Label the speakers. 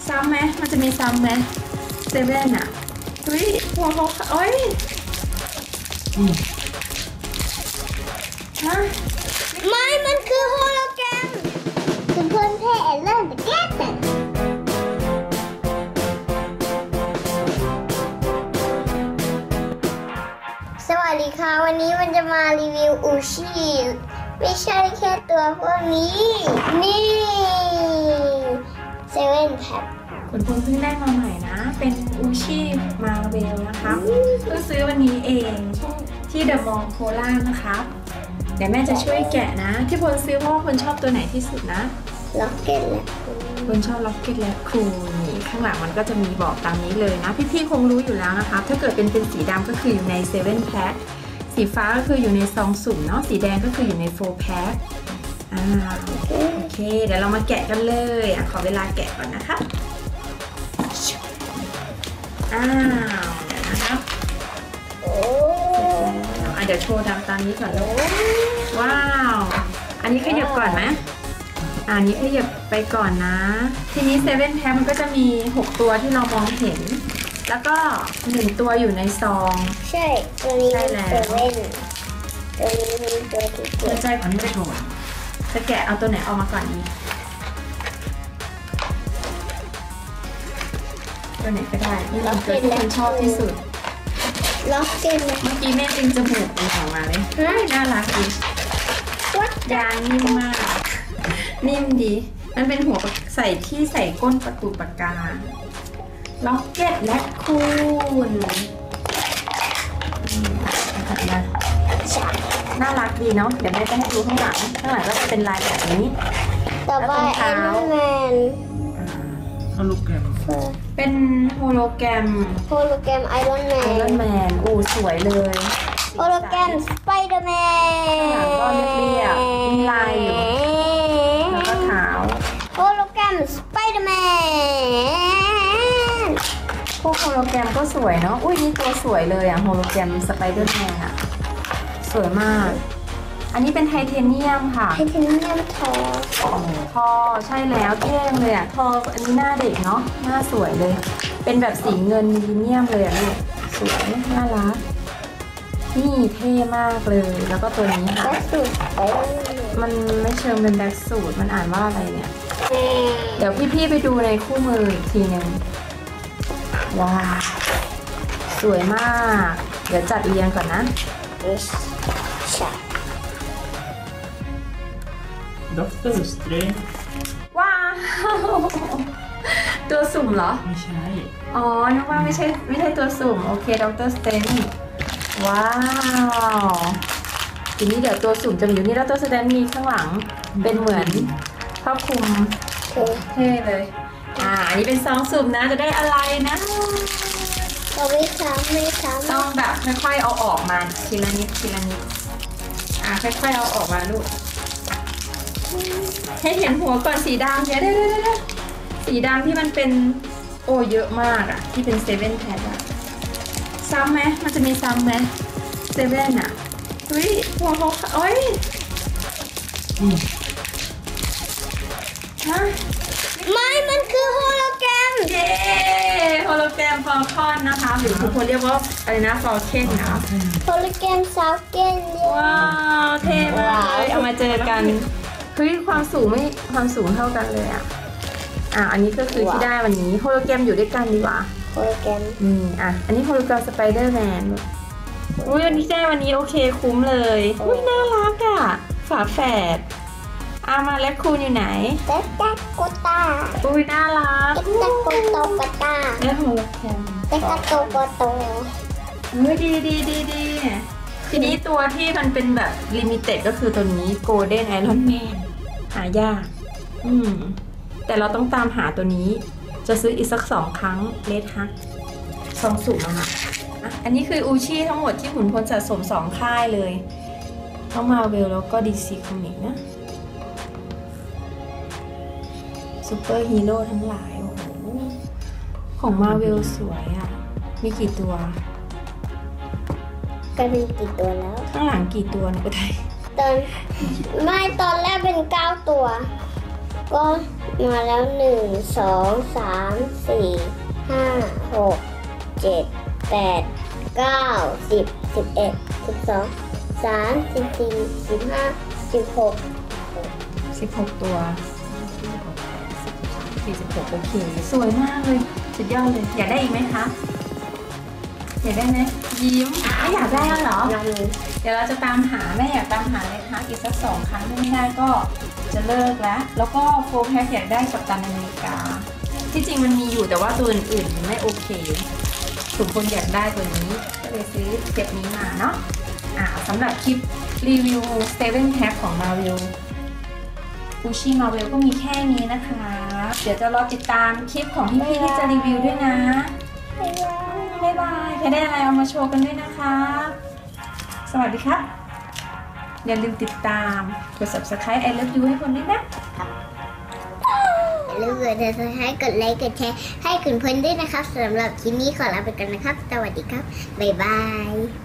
Speaker 1: ซ้ำไหมมันจะมีซ้ำไหมเซเว่นอ่ะเฮ้ยหัวเขาโอ้ยฮะ
Speaker 2: ไม่มันคือโฮโลแกรมคือเพื่อนเท่เริ่มแก้แต่สวัสดีค่ะวันนี้มันจะมารีวิวอูชิไม่ใช่แค่ตัวพวกนี้นี่เซเว่นแพ็ค
Speaker 1: คุณเพิ่งได้มาใหม่นะเป็นอูชิมาเวลนะคะเพิ่งซื้อวันนี้เองที่เดอะมอลล์โคราชนะคะเดี๋ยวแม่จะช่วยแกะนะที่พลซื้อเพราะว่าพลชอบตัวไหนที่สุดนะ
Speaker 2: ล็อกเก็ตและ
Speaker 1: พลชอบล็อกเก็ตและคูนี่ข้างหลังมันก็จะมีบอกตามนี้เลยนะพี่ๆคงรู้อยู่แล้วนะคะถ้าเกิดเป็นสีดำก็คืออยู่ในเซเว่นแพ็คสีฟ้าก็คืออยู่ในซองสุ่มเนาะสีแดงก็คืออยู่ใน4 แพ็คโอเคเดี๋ยวเรามาแกะกันเลยขอเวลาแกะก่อนนะคะเดี๋ยวนะครับเดี๋ยวโชว์ตามนี้ก่อนเลยว้าวอันนี้ขยับก่อนไหมอันนี้ขยับไปก่อนนะทีนี้เซเว่นแพ็คมันก็จะมี6ตัวที่เรามองเห็นแล้วก็1ตัวอยู่ในซอง
Speaker 2: ใช่ตัวนี้เซเว่นตัวนี้มีตัวที่เกิด
Speaker 1: ใจก่อนไม่โชว์จะแกะเอาตัวไหนออกมาก่อนดีตัวไหนก็ได้นี่เราตัวที่คุณชอบที่สุด
Speaker 2: ล็อกเก็ตเ
Speaker 1: มื่อกี้แม่ดึงจมูกออกมาเลยน่ารักดียางนิ่มมากนิ่มดีมันเป็นหัวใส่ที่ใส่ก้นประตูปากกาล็อกเก็ตและคูนน่ารักดีเนาะเดี๋ยวแม่จะให้ดูข้างหลังก็จะเป็นลายแบบนี้
Speaker 2: ต่อไปไอรอนแมน
Speaker 3: โฮโลแกรม
Speaker 1: เป็นโฮโลแกรม
Speaker 2: ไอรอนแม
Speaker 1: นโอ้สวยเลย
Speaker 2: โฮโลแกรมสไปเดอร์แมน
Speaker 1: ก็เรียบๆมีลายอยู่แล้วก็ขาว
Speaker 2: โฮโลแกรมสไปเดอร์แมน
Speaker 1: พวกโฮโลแกรมก็สวยเนาะอุ้ยนี่ตัวสวยเลยโฮโลแกรมสไปเดอร์แมนสวยมากอันนี้เป็นไทเทเนียมค่ะ
Speaker 2: ไทเทเนียมท
Speaker 1: อใช่แล้วเท่งเลยทออันนี้หน้าเด็กเนาะหน้าสวยเลยเป็นแบบสีเงินมิลเลนเนียมเลยลูกสวยน่ารักนี่เท่มากเลยแล้วก็ตัวนี้ค่ะมันไม่เชิงเป็นแบ็คสูทมันอ่านว่าอะไรเนี่ยเดี๋ยวพี่ๆไปดูในคู่มืออีกทีนึงว้าสวยมากเดี๋ยวจัดเรียงก่อนนะ
Speaker 3: ด็อกเตอร์สเตรนจ์
Speaker 1: ว้าวตัวสุ่มเหรอ
Speaker 3: ไม่ใช่
Speaker 1: นึกว่าไม่ใช่ตัวสุ่มโอเคด็อกเตอร์สเตรนจ์ว้าวทีนี้เดี๋ยวตัวสุ่มจะอยู่นี่แล้วตัวสแตนมีข้างหลังเป็นเหมือนครอบคลุมเท่เลยอันนี้เป็นซองสุ่มนะจะได้อะไรนะ
Speaker 2: ไม่ซ้ำ
Speaker 1: ต้องแบบค่อยๆเอาออกมาทีละนิดค่อยๆเอาออกมาลูกให้เห็นหัวก่อนสีดำเดี๋ยวสีดำที่มันเป็นเยอะมากที่เป็นเซเว่นแพ็คซ้ำไหมมันจะมีซ้ำไหมเซเว่นเฮ้ยหัวเขาฮะ
Speaker 2: ไม่มันคือโฮโลแกรม
Speaker 1: โฮโลแกรมฟอลคอนนะคะหรือทุกคนเรียกว่าอะไรนะฟอลเคนนะ
Speaker 2: โฮโลแกรมซาวเกน
Speaker 1: ว้าวเท่มากเลยเอามาเจอกันเฮ้ยความสูงเท่ากันเลยอันนี้ก็คือที่ได้วันนี้โฮโลแกรมอยู่ด้วยกันดีกว่า
Speaker 2: โฮโลแกรม
Speaker 1: อันนี้โฮโลแกรมสไปเดอร์แมนวันนี้ได้วันนี้โอเคคุ้มเลยน่ารักฝาแฝดมาแล้วคูณอยู่ไหน
Speaker 2: เต็กตาโกตา
Speaker 1: น่ารัก
Speaker 2: เต็กตาโกโตโกตา
Speaker 1: โฮโลแกรม
Speaker 2: เต็กตาโตโกโต
Speaker 1: ดีทีนี้ตัวที่มันเป็นแบบลิมิเต็ดก็คือตัวนี้โกลเด้นไอรอนแมนหายากแต่เราต้องตามหาตัวนี้จะซื้ออีกสัก2 ครั้งเลทฮักซองสุ่มอันนี้คืออูชิทั้งหมดที่ขุนพลสะสม2 ค่ายเลยทั้งมาเวลแล้วก็ดีซีคอมิกนะซูเปอร์ฮีโร่ทั้งหลายโอ้โหของมาเวลสวยมีกี่ตัว
Speaker 2: ก็มีกี่ตัวแล้ว
Speaker 1: ข้างหลังกี่ตัวเนี่ยก็ได้
Speaker 2: ตอนแรกเป็น9 ตัวก็มาแล้ว1 2 3 4 5 6 7 8 9 10 11 12 13 14 15 16
Speaker 1: 16 ตัว 46 โอเค สวยมากเลย สุดยอดเลย อยากได้อีกไหมคะ อยากได้ไหมยิ้มไม่อยากได้แล้วเหรอ
Speaker 2: ยัง
Speaker 1: เดี๋ยวเราจะตามหาแม่อยากตามหาเลยคะอีกสัก2 ครั้งถ้าไม่ได้ก็จะเลิกแล้ว แล้วก็โฟร์แพ็คอยากได้กัปตันอเมริกา ที่จริงมันมีอยู่แต่ว่าตัวอื่นๆไม่โอเคสมควรอยากได้ตัวนี้ก็เลยซื้อเซตนี้มาเนาะสำหรับคลิปรีวิว7 Pack ของ Marvel อูชิ Marvel ก็มีแค่นี้นะคะ เดี๋ยวจะรอติดตามคลิปของพี่ๆที่จะรีวิวด้วยนะ บ๊ายบายใครได้อะไรเอามาโชว์กันด้วยนะคะ สวัสดีครับ อย่าลืมติดตามกด subscribe I love you ให้คนด้วยนะ
Speaker 2: อย่าลืมกดติดตามกดไลค์กดแชร์ให้คุณเพื่อนด้วยนะครับสำหรับคลิปนี้ขอลาไปก่อนนะครับ สวัสดีครับ บ๊ายบาย